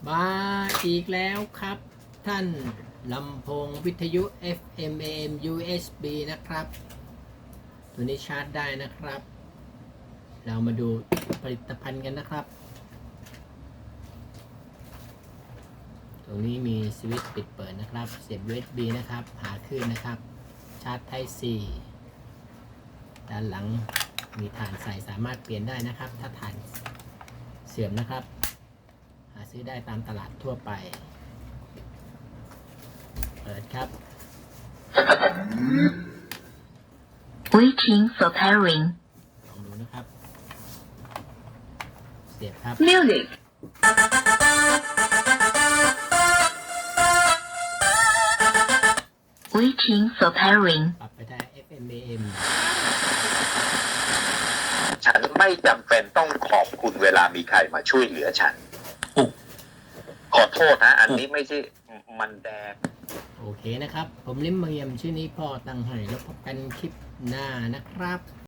มาอีกแล้วครับท่านลำโพงวิทยุ FM AM USB นะครับตัวนี้ชาร์จได้นะครับ เรามาดูผลิตภัณฑ์กันนะครับตรงนี้มีสวิตช์ปิดเปิดนะครับเสียบ USB นะครับหาคลื่นนะครับชาร์จ Type C ด้านหลังมีฐานใส่สามารถเปลี่ยนได้นะครับถ้าฐานเสื่อมนะครับหาซื้อได้ตามตลาดทั่วไปเปิดครับ Waiting for pairing. ลองดูนะครับเสียบครับ Music. Waiting for pairing. ปรับไปได้ FM AM ฉันไม่จำเป็นต้องขอบคุณเวลามีใครมาช่วยเหลือฉัน ขอโทษนะ อันนี้ไม่ใช่มันแดงโอเคนะครับผมลิมเมียมชื่อนี้พ่อตั้งให้แล้วพบกันคลิปหน้านะครับ